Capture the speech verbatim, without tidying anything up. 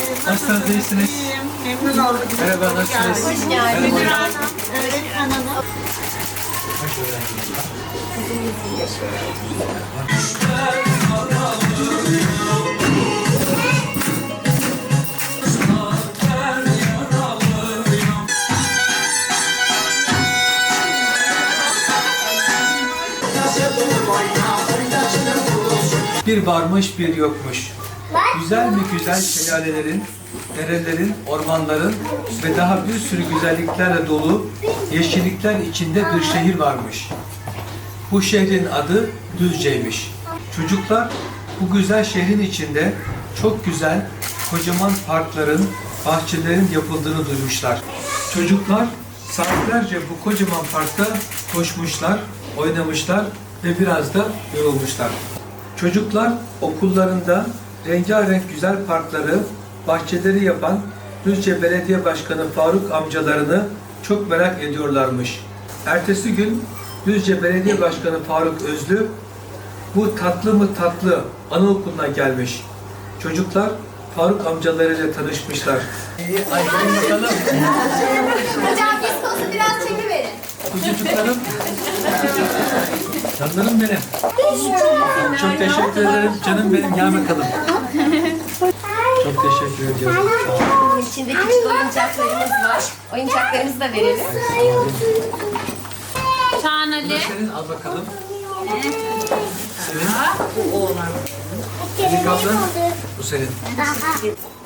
Nasılsınız, iyisiniz? Memnun olduk. Merhaba, nasılsınız? Hoş geldiniz. Merhaba. Öğretmen hanım. Hoş öğrenciniz. Bir varmış bir yokmuş. Güzel mi güzel şelalelerin, derelerin, ormanların ve daha bir sürü güzelliklerle dolu yeşillikler içinde bir şehir varmış. Bu şehrin adı Düzce'ymiş. Çocuklar bu güzel şehrin içinde çok güzel, kocaman parkların, bahçelerin yapıldığını duymuşlar. Çocuklar saatlerce bu kocaman parkta koşmuşlar, oynamışlar ve biraz da yorulmuşlar. Çocuklar okullarında rengarenk güzel parkları, bahçeleri yapan Düzce Belediye Başkanı Faruk amcalarını çok merak ediyorlarmış. Ertesi gün Düzce Belediye Başkanı Faruk Özlü bu tatlı mı tatlı anaokuluna gelmiş. Çocuklar Faruk amcalarıyla tanışmışlar. İyi, ay gelin bakalım. Hocam viskosu biraz çekiverin. Kuzucuklarım. Canlarım benim. Çok teşekkür ederim. Canım benim, gel bakalım. Çok teşekkür ediyorum. Sağ olun. İçinde küçük oyuncaklarımız var. Oyuncaklarımızı da verelim. Çağan Bu da Ali. senin, al bakalım. Senin. Bu oğlan. Senin kaldı. Bu senin.